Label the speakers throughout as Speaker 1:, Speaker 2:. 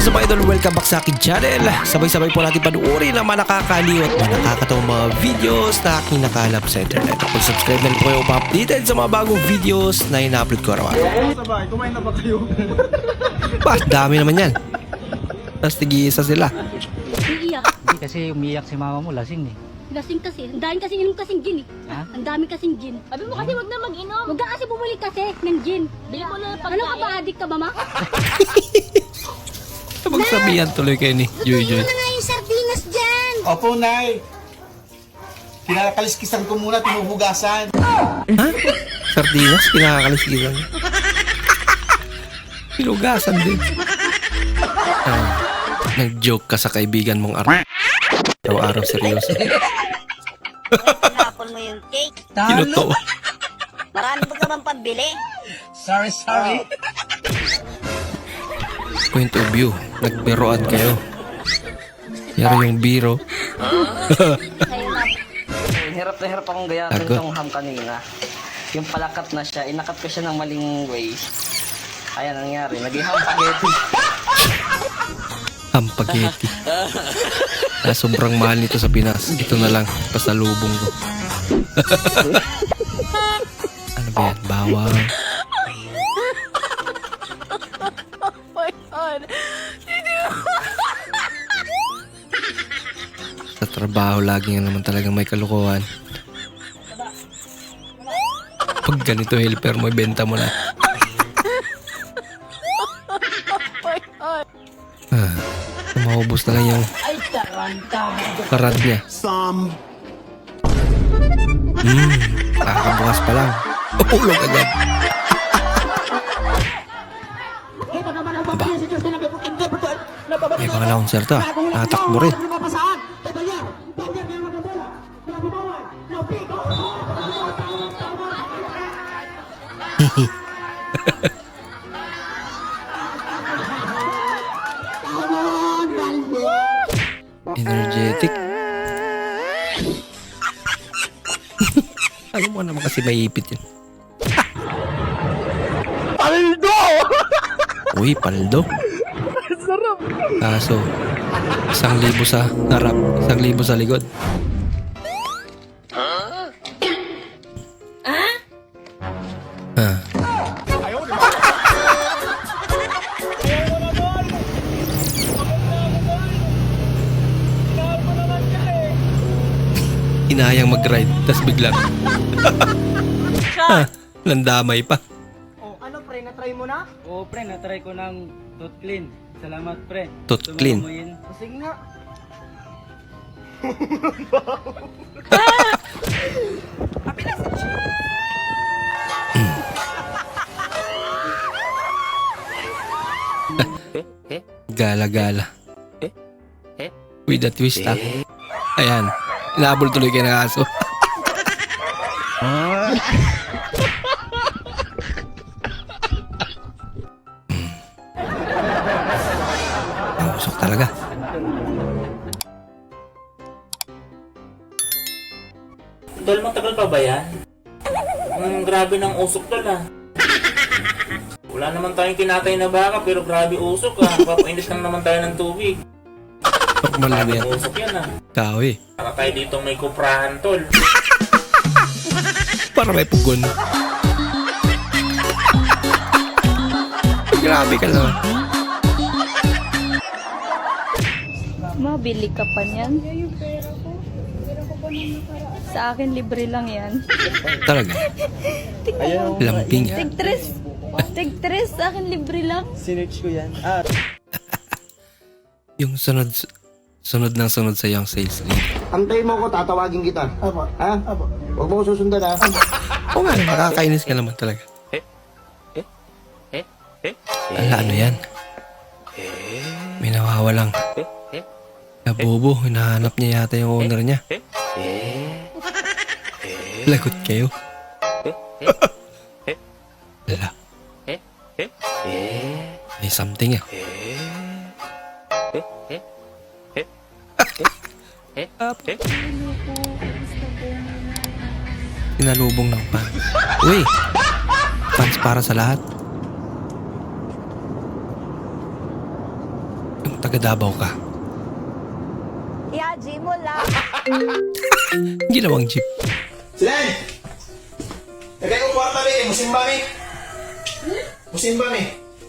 Speaker 1: is up, idol? Welcome back sa akin channel. Sabay-sabay po natin panuorin ang mga nakakaliw at mga nakakatawang mga videos na aking nakalap sa internet. Kung subscribe na rin po kayo pa-updated sa mga bagong videos na ina-upload ko araw.
Speaker 2: Sabay, kumain na ba kayo?
Speaker 1: Bah, dami naman yan. Tapos tig-iisa sila.
Speaker 3: Iiyak.
Speaker 4: Hindi kasi umiyak si mama mo, lasing eh.
Speaker 3: Lasing kasi. Ang dami kasi inom kasing gin eh.
Speaker 4: Ha?
Speaker 3: Ang dami kasing gin.
Speaker 5: Sabi mo kasi wag na mag-inom.
Speaker 3: Huwag ka kasi bumili kasi ng gin.
Speaker 5: Bili mo na ng
Speaker 3: Ano ka ba?
Speaker 5: pagkain.
Speaker 3: Addict ka ba, ma?
Speaker 1: Magsabihan tuloy kayo ni Joy Joy.
Speaker 3: nga yung sardinas dyan!
Speaker 2: Opo, Nay. Kinakaliskisan ko muna, tinuhugasan.
Speaker 1: Ha? Sardinas? Kinakaliskisan. Pinugasan din. Nag-joke ka sa kaibigan mong araw-araw seryoso.
Speaker 6: Tinapon mo yung cake.
Speaker 1: Kinuto.
Speaker 6: Marami pa ka bang pambili?
Speaker 2: Sorry.
Speaker 1: Point of view. Nagbiroan kayo. Yari yung biro.
Speaker 7: Hirap na hirap akong gayatin
Speaker 1: Tagot.
Speaker 7: itong ham kanina. Yung palakat na siya, inakat ko siya ng maling way. Ayan ang nangyari, naging ham spaghetti.
Speaker 1: Hampageti. Sobrang mahal nito sa Pinas. Ito na lang. Pasalubong ko. Ano ba yan? Bawang. Sa trabaho, lagi nga naman talagang may kalukuhan. Pag ganito helper mo, ibenta mo na. Maubos na lang yung parad niya. Kakabukas pa lang. Ulog agad. Aba. May mga na-concerto ah. Nakatakbo rin. Energetic. Alam mo naman kasi may ipit yun. Paldo! Uy, paldo. Sarap. Kaso, 1,000 sa harap, 1,000 sa likod. Inayang mag-ride, tas biglang nandamay pa.
Speaker 8: Oh, ano pre, na-try mo na?
Speaker 4: Oo pre, natry ko ng tooth clean. Salamat pre.
Speaker 1: Tooth clean.
Speaker 4: Sumumoyin.
Speaker 8: Sige nga.
Speaker 1: Gala-gala. With a twist ah. Ayan, inaabol tuloy kayo ng aso. Usok talaga.
Speaker 9: Dol, matagal pa ba yan? Grabe ng usok tol ah. Wala naman tayong kinatay na baka pero grabe usok ah. Papainit lang naman tayo ng tubig.
Speaker 1: Normal lang
Speaker 9: Grabe
Speaker 1: yan.
Speaker 9: usok yan ah.
Speaker 1: Kawi.
Speaker 9: Para tayo dito may kuprahan tol.
Speaker 1: Para may pugon. Grabe ka naman.
Speaker 5: Mabili ka pa niyan. Sa akin, libre lang yan.
Speaker 1: Talaga. Lambing.
Speaker 5: Tig-tres, sa akin libre lang.
Speaker 8: Sinearch ko yan.
Speaker 1: Yung sunod ng sunod sa yung sales lead.
Speaker 2: Antayin mo ko, tatawagin kita. Apo. Ha? Apo. Huwag mo ko susundan ha.
Speaker 1: Oo nga, makakainis ka naman talaga. Ala, ano yan? May nawawalang nabobo, hinahanap niya yata yung owner niya. Lagot kayo. Ala. May something ah. Sinalubong ng pan. Uy! Fans para sa lahat. taga-Davao ka.
Speaker 5: Ihaji mo lang.
Speaker 1: Ginawang jeep.
Speaker 2: Silen! Lagay ko kwarta rin. Musimba ni. Musimba ni.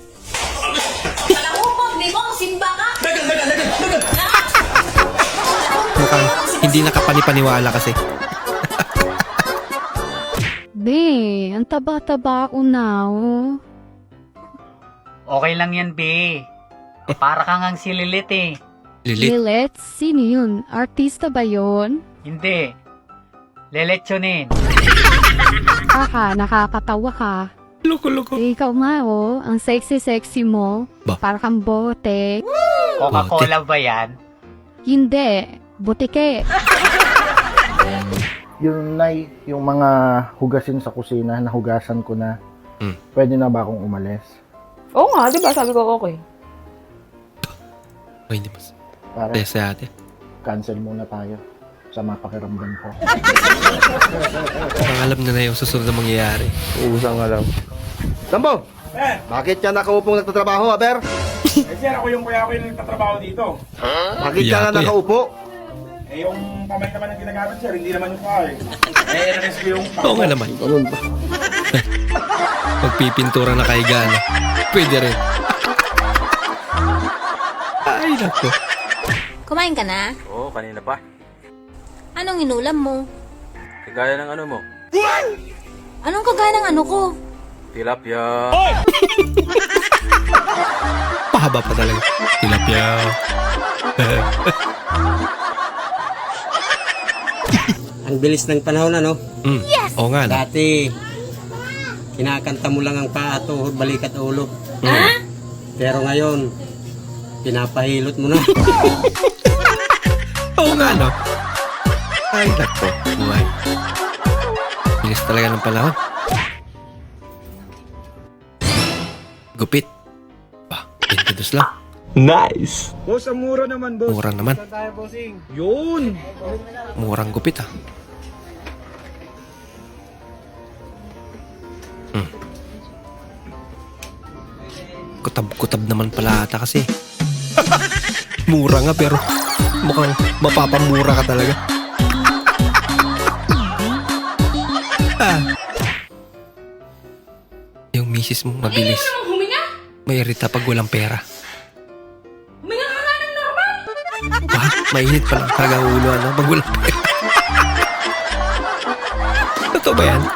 Speaker 1: Mukhang hindi nakapanipaniwala kasi.
Speaker 3: Be, ang taba-taba ko na, oh.
Speaker 4: Okay lang yan, be. Para kang ang sililit eh.
Speaker 1: Lilit.
Speaker 3: Lilet? Sino yun? Artista ba yun?
Speaker 4: Hindi. Lelechonin.
Speaker 3: Nakakatawa ka.
Speaker 1: Loko-loko.
Speaker 3: Ikaw nga, oh. Ang sexy-sexy mo.
Speaker 1: Ba?
Speaker 3: Para kang bote.
Speaker 4: Coca-Cola ba yan?
Speaker 3: Hindi. Butike.
Speaker 10: Yung Nay, yung mga hugasin sa kusina, nahugasan ko na. Pwede na ba akong umalis?
Speaker 5: Oo nga, di ba? Sabi ko okay.
Speaker 1: Ay, hindi mas.
Speaker 10: Para
Speaker 1: Tesa ate.
Speaker 10: cancel muna tayo sa mapakiramdam ko.
Speaker 1: Ang alam na yung susunod na mangyayari.
Speaker 2: Usang alam. Sambo! Bakit ka nakaupong nagtatrabaho, Aber?
Speaker 9: Sir, ako yung nagtatrabaho dito.
Speaker 2: Bakit ka
Speaker 1: Kuya,
Speaker 2: na
Speaker 1: kuya.
Speaker 2: nakaupo?
Speaker 9: Eh, yung kamay naman ang ginagamit, sir, hindi naman yung kain. RS ko yung
Speaker 1: Oo nga naman.
Speaker 2: Ganun ba?
Speaker 1: Magpipintura na kay Gana. Pwede rin. Ay, nako.
Speaker 5: Kumain ka na?
Speaker 9: Oo, kanina pa.
Speaker 5: Anong inulam mo?
Speaker 9: Kagaya ng ano mo.
Speaker 5: Anong kagaya ng ano ko?
Speaker 9: Tilapia.
Speaker 1: Pahaba pa talaga. Tilapia.
Speaker 8: Ang bilis ng panahon, ano?
Speaker 1: Yes! Oo nga, no?
Speaker 8: Dati, kinakanta mo lang ang paa, tuhod, balikat, ulo. Pero ngayon, pinapahilot mo na.
Speaker 1: Oo nga, no? Ay, nako. Buhay. Bilis talaga ng panahon. Gupit. Ba, 22 lang.
Speaker 9: Nice!
Speaker 2: Boss, ang mura naman, boss.
Speaker 1: Mura naman.
Speaker 2: Yun!
Speaker 1: Murang gupit, ah. Kutab-kutab naman pala ata kasi. Mura nga pero mukhang mapapamura ka talaga. Ah. Yung misis mo mabilis. Mairita pag walang pera. Huminga ka nga ng normal. Mainit pa lang talaga ang ulo, ano? Pag walang pera. Totoo ba yan?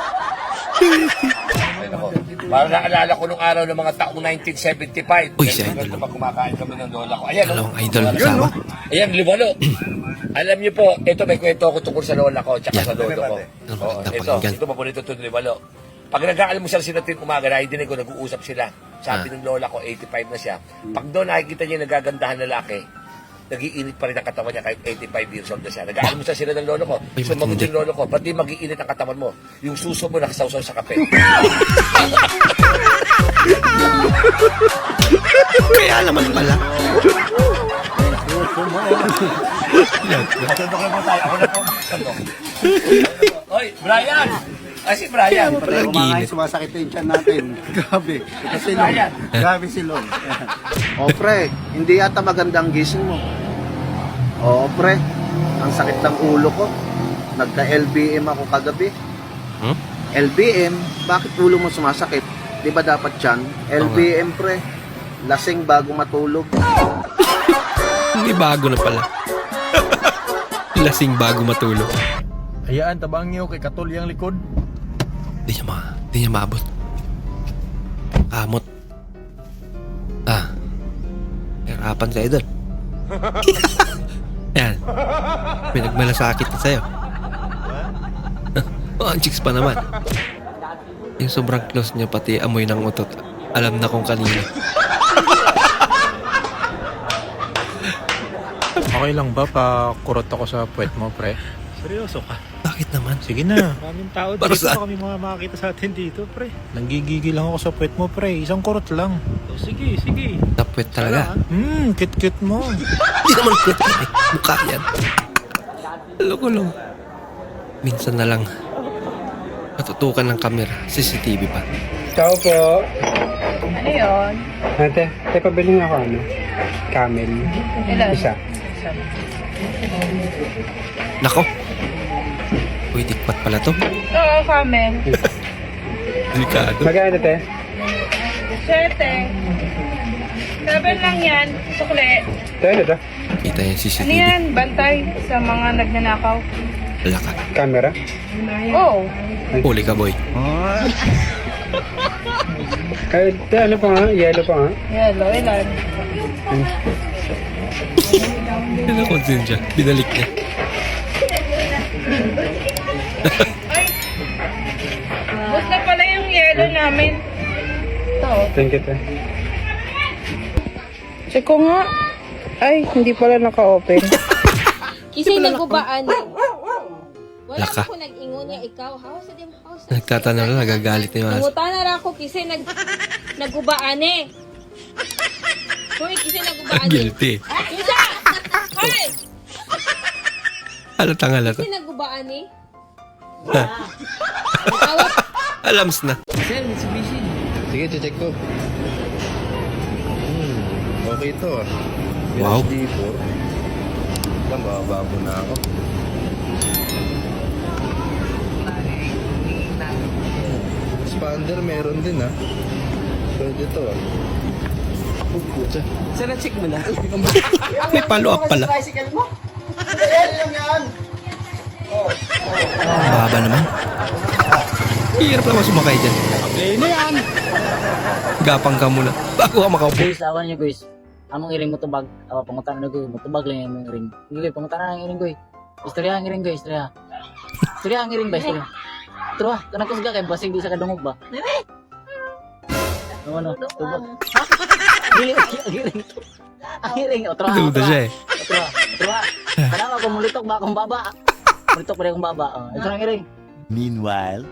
Speaker 11: Parang naalala ko nung araw ng mga taong 1975.
Speaker 1: Uy, si Idol.
Speaker 11: Kumakain kami ng lola ko. Ayan,
Speaker 1: Dalawang idol kasama.
Speaker 11: ayan, libalo. Alam niyo po, ito may kwento ako tungkol sa lola ko tsaka
Speaker 1: Yan.
Speaker 11: sa lolo ko.
Speaker 1: Ano ba
Speaker 11: Oh,
Speaker 1: ganda
Speaker 11: ito,
Speaker 1: pakinggan?
Speaker 11: ito mapunito ito libalo. Pag nag-aalmusal sila tin umaga, nakidinig ko, nag-uusap sila. Sabi ng lola ko, 85 na siya. Pag doon nakikita niya yung nagagandahan lalaki, nag-iinit pa rin ang katawan niya kahit 85 years old na siya. Nag-aalmusal sila ng lolo ko.
Speaker 1: Ay,
Speaker 11: Sumagot
Speaker 1: matindi.
Speaker 11: yung lolo ko, ba't di mag-iinit ang katawan mo? Yung suso mo nakasawsaw sa kape.
Speaker 1: Kaya naman pala.
Speaker 11: Oy, Brian! Ay, si Brian.
Speaker 1: Palang ginit.
Speaker 2: Sumasakit yung tiyan natin. Grabe. Kasi Long. Grabe si Long. O pre, hindi yata magandang gising mo. Oo pre, ang sakit ng ulo ko. Nagka-LBM ako kagabi.
Speaker 1: Hmm?
Speaker 2: LBM? Bakit ulo mo sumasakit? Di ba dapat yan? LBM pre, lasing bago matulog.
Speaker 1: Hindi bago na pala. Lasing bago matulog.
Speaker 10: Hayaan, tabang niyo kay Katol yung likod.
Speaker 1: Di niya maabot. Kamot. Ah. Hirapan sa idol. Yan. May nagmalasakit na sa'yo. Oh, ang chicks pa naman. Yung sobrang close niya pati amoy ng utot. Alam na kung kanino.
Speaker 12: Okay lang ba pa kurot ako sa puwet mo, pre?
Speaker 10: Seryoso ka?
Speaker 1: Bakit naman?
Speaker 12: Sige na. Maraming tao
Speaker 1: Para
Speaker 12: dito.
Speaker 1: saan?
Speaker 12: Kami mga makakita sa atin dito, pre. Nanggigigil lang ako sa puwet mo, pre. Isang kurot lang. Sige, sige.
Speaker 1: Tapwet talaga.
Speaker 12: Cute-cute mo.
Speaker 1: Hindi naman kwet yan eh. Mukha yan. Loko-loko. Minsan na lang matutukan ng camera. CCTV pa.
Speaker 4: Ciao po.
Speaker 5: Ano yun?
Speaker 4: Ate, pabili nga ako ano?
Speaker 8: Camel. Isa.
Speaker 1: Nako. Uy, tikpat pala to.
Speaker 13: Oo, camel.
Speaker 1: Delikado.
Speaker 8: Magkano te?
Speaker 13: 7. 7 lang yan. Sukle.
Speaker 8: Ano to?
Speaker 1: Kita yung
Speaker 13: Ano
Speaker 1: CCTV.
Speaker 13: yan? Bantay sa mga nagnanakaw.
Speaker 1: Wala ka.
Speaker 8: Camera?
Speaker 13: Oo.
Speaker 1: Huli ka, boy.
Speaker 8: Ay, te, ano pa nga? Yellow pa nga?
Speaker 13: Yellow, ilan?
Speaker 1: Pinakonsin siya. Binalik niya.
Speaker 13: Bus na pala yung yellow namin. Ito.
Speaker 8: Thank you te.
Speaker 13: Check ko nga. Ay, hindi pala naka-open.
Speaker 5: Kasi nagubaan eh. Wala
Speaker 1: Laka.
Speaker 5: ko nag-ingon niya ikaw. Hawas na din, hawas na.
Speaker 1: Nagtatanong na, nagagalit na yung aso.
Speaker 5: Nanguta na ra ako kasi nagubaan eh. Hoy, kasi nagubaan eh.
Speaker 1: Guilty.
Speaker 5: Isa! Hoy!
Speaker 1: Halatang halata.
Speaker 5: Kasi nagubaan eh.
Speaker 1: Alams na.
Speaker 2: Sige, check ko. Okay to ah.
Speaker 1: Wow.
Speaker 2: D4. Mababo na ako. Expander meron din ah. Pwede to ah.
Speaker 7: Sana check mo na.
Speaker 1: May follow-up pala. Baba naman. Hirap naman sumakay dyan.
Speaker 8: Ano yan?
Speaker 1: Gapang ka muna. Bago ka makaupo.
Speaker 7: Guys, awan nyo guys. Among iring motobag. Awa, pangutan na ko. Motobag lang yung iring. Hindi, pangutan na yung iring ko. Istorya ang iring ko, istorya. Istorya ang iring ba, istorya. Tro, kanang ko siya kay basig di sa kadungog ba? Ano? Tubag. Dili ang iring. Ang iring, o tro.
Speaker 1: Duda siya eh.
Speaker 7: Tro. Kanang ako mulitok ba akong baba? Mulitok pa rin akong baba. Ito ang iring.
Speaker 11: Meanwhile,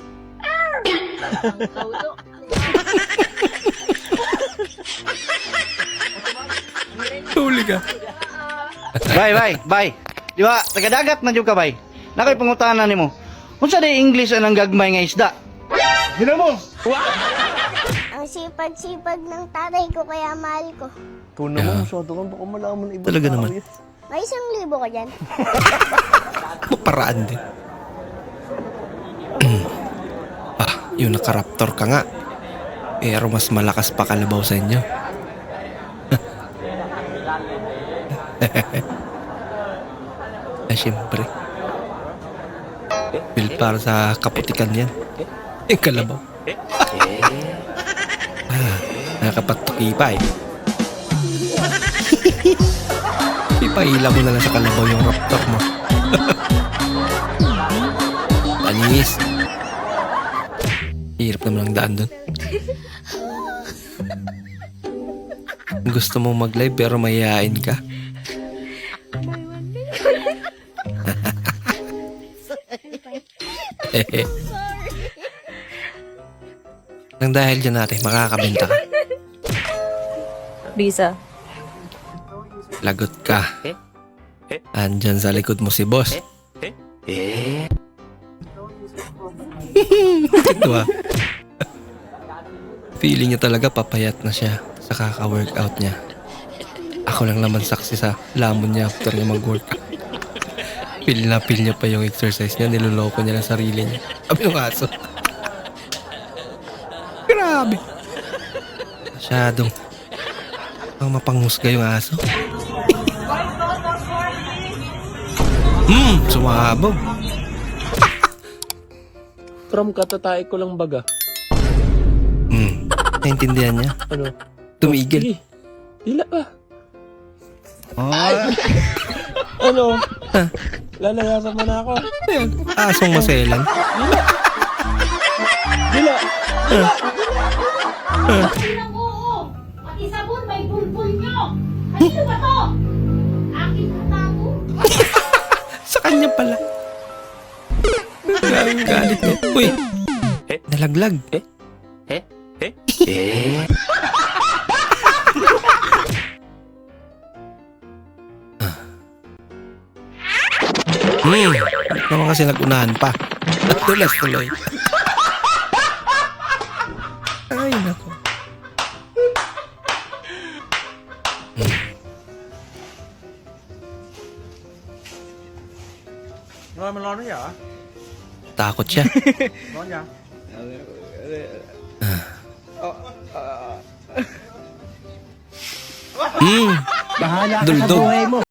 Speaker 1: Huli ka.
Speaker 2: Bay. Di ba, tagadagat na dyan ka, bay. Nakay pangutanan ni mo. Kung sa di English anang gagmay nga isda. Gina mo!
Speaker 6: Ang sipag-sipag ng tatay ko kaya mahal ko.
Speaker 2: Ikaw naman, masyado kang baka malaman na ibang
Speaker 1: Talaga
Speaker 2: tao
Speaker 1: naman.
Speaker 2: yan.
Speaker 6: May 1,000 ka dyan.
Speaker 1: Maparaan din. Yung nakaraptor ka nga. Pero mas malakas pa kalabaw sa inyo. Siyempre. Build para sa kaputikan yan. Yung kalabaw. Nakapagtuki pa eh. Ipaila mo na lang sa kalabaw yung raptor mo. Panis. Hirap naman ang daan dun. Gusto mo mag-live pero mayayain ka. Nang dahil dyan natin, makakabenta ka.
Speaker 5: Bisa.
Speaker 1: Lagot ka. Andyan sa likod mo si boss. Ito ah. Feeling niya talaga papayat na siya sa kaka-workout niya. Ako lang naman saksi sa lamon niya after niya mag-workout. Feel niya pa yung exercise niya. Niloloko niya lang sarili niya. Sabi ng aso. Grabe. Masyadong mapanghusga yung aso. Sumabog.
Speaker 14: From katatay ko lang baga.
Speaker 1: Naintindihan niya.
Speaker 14: Ano?
Speaker 1: Tumigil.
Speaker 14: Dila ba? Ano? Lalayasan mo na ako.
Speaker 1: Ayan, asong maselan.
Speaker 14: Dila!
Speaker 5: Pati sabon, may bulbul nyo. Ano ba to? Akin na tago.
Speaker 1: Sa kanya pala. Ang galit niya. Uy! Nalaglag. Naman kasi nagunahan pa. Tulas tuloy. Ay, nako.
Speaker 12: Rồi mình lo nó giờ.
Speaker 1: Takot siya.
Speaker 12: Lo nha.
Speaker 1: Bahala
Speaker 8: ka sa buhay
Speaker 1: mo.